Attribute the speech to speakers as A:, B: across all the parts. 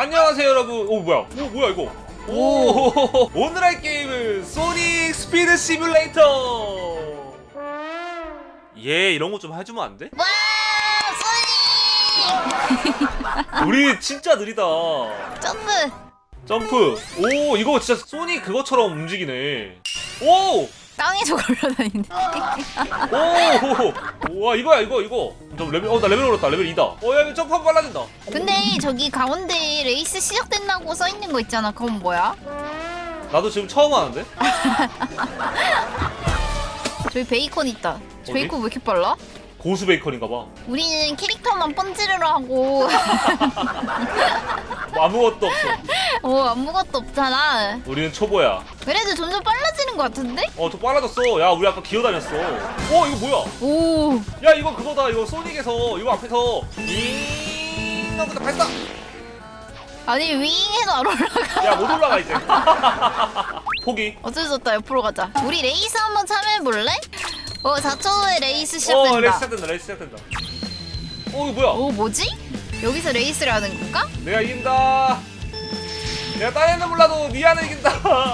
A: 안녕하세요 여러분. 오 뭐야? 오 뭐야 이거? 오 오늘 할 게임은 소닉 스피드 시뮬레이터. 얘 이런 거 좀 해주면 안 돼?
B: 와 소닉!
A: 우리 진짜 느리다.
B: 점프!
A: 오 이거 진짜 소닉 그거처럼 움직이네. 오!
B: 땅에서 걸려다니네.
A: 오! 와 이거야 이거. 저 레벨 나 레벨 올랐다. 레벨 2다. 야 이거 점프 한번 빨라진다.
B: 근데 저기 가운데 레이스 시작된다고 써있는 거 있잖아. 그건 뭐야?
A: 나도 지금 처음 하는데?
B: 저기 베이컨 있다.
A: 어디?
B: 베이컨 왜 이렇게 빨라?
A: 고수 베이컨인가 봐.
B: 우리는 캐릭터만 번지르르 하고
A: 뭐 아무것도 없어.
B: 아무것도 없잖아.
A: 우리는 초보야.
B: 그래도 점점 빨라지는 것 같은데?
A: 좀 빨라졌어. 야 우리 아까 기어다녔어. 이거 뭐야?
B: 오
A: 야 이거 그거다. 이거 소닉에서 이거 앞에서 윙 하고 발사.
B: 아니 윙해도 안 올라가.
A: 야 못 올라가 이제. 포기.
B: 어쩔 수 없다. 옆으로 가자. 우리 레이스 한번 참여해볼래? 4초 후에 레이스 시작된다.
A: 레이스 시작된다. 이거 뭐야?
B: 뭐지? 여기서 레이스를 하는 건가?
A: 내가 이긴다. 내가 딴 애는 몰라도 니아는 이긴다.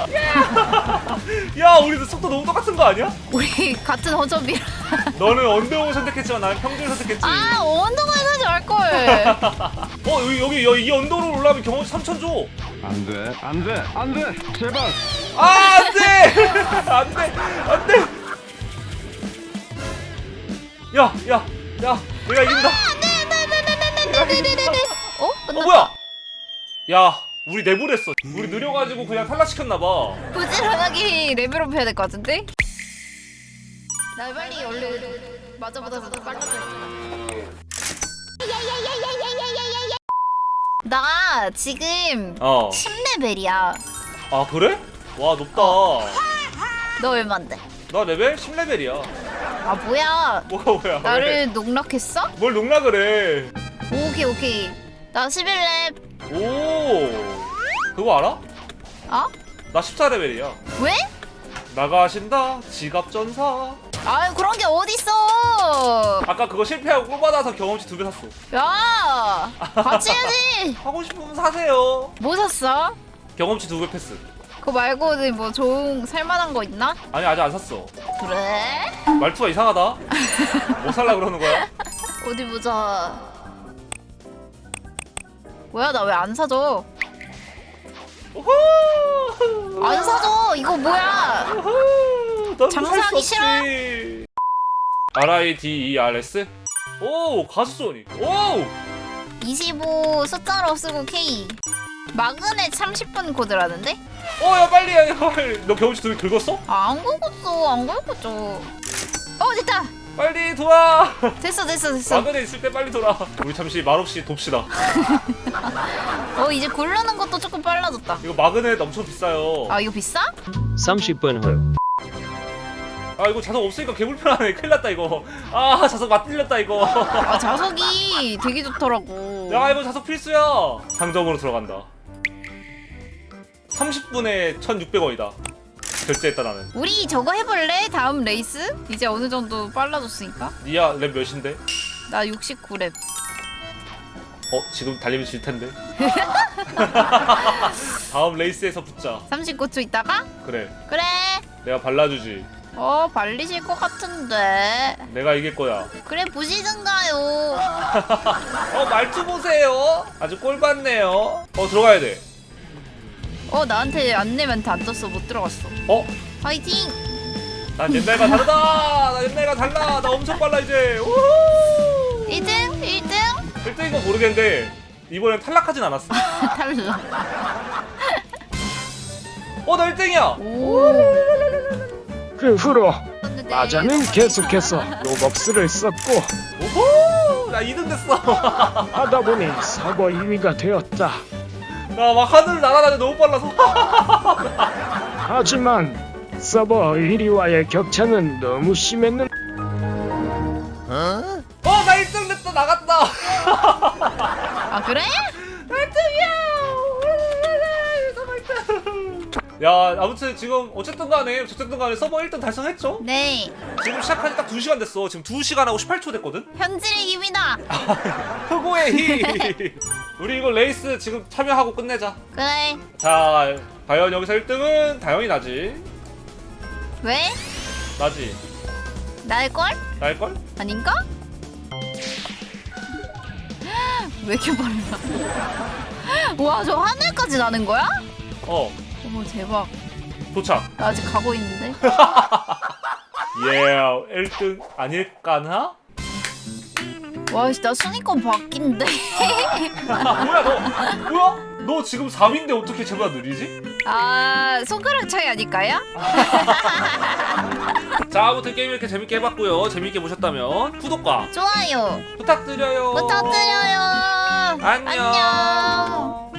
A: 야 우리도 속도 너무 똑같은 거 아니야?
B: 우리 같은 허접이라.
A: 너는 언더우 선택했지만 나는 평균 선택했지.
B: 언더가 사지 말걸.
A: 여기 이 언더로 올라가면 경험치 3,000 줘.
C: 안돼 제발.
A: 안돼. 야 내가 이긴다. 뭐야? 야 우리 내보냈어. 우리 느려가지고 그냥 탈락시켰나봐.
B: 부지런하게 레벨업 해야 될 것 같은데? 나 빨리 얼른 맞아보다 빨라져. 나 지금 10레벨이야.
A: 아 그래? 와 높다.
B: 너 얼만데?
A: 나 레벨 10레벨이야.
B: 뭐야?
A: 뭐야?
B: 나를 농락했어?
A: 뭘 농락을 해?
B: 오케이. 나 11렙.
A: 오 그거 알아? 나 14레벨이야.
B: 왜?
A: 나가신다 지갑 전사.
B: 그런 게 어딨어?
A: 아까 그거 실패하고 꿀받아서 경험치 2배 샀어.
B: 야, 같이 해야지.
A: 하고 싶으면 사세요.
B: 뭐 샀어?
A: 경험치 2배 패스.
B: 그거 말고는 뭐 좋은 살만한 거 있나?
A: 아니 아직 안 샀어.
B: 그래?
A: 말투가 이상하다. 뭐 살라 그러는 거야?
B: 어디 보자. 뭐야, 나 왜 안 사줘?
A: 오호!
B: 안 사줘. 이거 뭐야?
A: 오호! 넌
B: 장사하기
A: 살 수 없지. RIDERS? 오 가수 소닉. 오
B: 25 숫자로 쓰고 K. 마그넷 30분 코드라는데?
A: 야 빨리 해. 너 경험치 2배 긁었어?
B: 안 긁었어. 안 긁었죠. 됐다.
A: 빨리 돌아.
B: 됐어.
A: 마그넷 있을 때 빨리 돌아. 우리 잠시 말없이 돕시다.
B: 이제 고르는 것도 조금 빨라졌다.
A: 이거 마그넷 엄청 비싸요.
B: 이거 비싸?
C: 30분 후.
A: 이거 자석 없으니까 개불편하네. 큰일 났다 이거. 자석 맞들렸다 이거.
B: 자석이 되게 좋더라고.
A: 야 이거 자석 필수야. 상점으로 들어간다. 30분에 1,600원이다 결제했다 나는.
B: 우리 저거 해볼래? 다음 레이스? 이제 어느 정도 빨라졌으니까.
A: 니야 랩 몇인데?
B: 나 69렙.
A: 지금 달리면 질 텐데. 다음 레이스에서 붙자.
B: 39초 있다가?
A: 그래
B: 그래.
A: 내가 발라주지.
B: 발리실 것 같은데.
A: 내가 이길 거야.
B: 그래 보시든가요.
A: 말투 보세요. 아주 꼴받네요. 들어가야 돼.
B: 나한테 안내 멘트 안 떴어. 못 들어갔어. 파이팅.
A: 난 옛날과 다르다. 나 옛날과 달라. 나 엄청 빨라 이제. 우후.
B: 1등?
A: 1등인 건 모르겠는데 이번엔 탈락하진 않았어.
B: 탈락.
A: 나 1등이야.
C: 그 후로 마자는 계속해서 로벅스를 썼고
A: 오호. 나 2등 됐어.
C: 하다 보니 서버 2위가 되었다.
A: 나 막 하늘 날아다니 너무 빨라서.
C: 하지만 서버 1위와의 격차는 너무 심했는.
A: 나 1등 됐다. 나갔다.
B: 그래?
A: 1등이야. 야 아무튼 지금 어쨌든 간에 서버 1등 달성했죠?
B: 네.
A: 지금 시작한 지 딱 2시간 됐어. 지금 2시간 하고 18초 됐거든?
B: 현질의 힘이다.
A: 흑호의 힘. 우리 이거 레이스 지금 참여하고 끝내자.
B: 그래.
A: 자, 과연 여기서 1등은 당연히 나지.
B: 왜?
A: 나지.
B: 날걸?
A: 날걸?
B: 아닌가? 왜 이렇게 빨라? 와, 저 하늘까지 나는 거야?
A: 어,
B: 어머, 대박.
A: 도착.
B: 나 아직 가고 있는데.
A: 예, 1등 아닐까나?
B: 와, 씨, 나 순위권 바뀐데.
A: 뭐야 너? 뭐야? 너 지금 3위인데 어떻게 쟤보다 느리지?
B: 아, 손가락 차이 아닐까요?
A: 자, 아무튼 게임 이렇게 재밌게 해봤고요. 재밌게 보셨다면 구독과
B: 좋아요.
A: 부탁드려요.
B: 부탁드려요.
A: 안녕.
B: 안녕.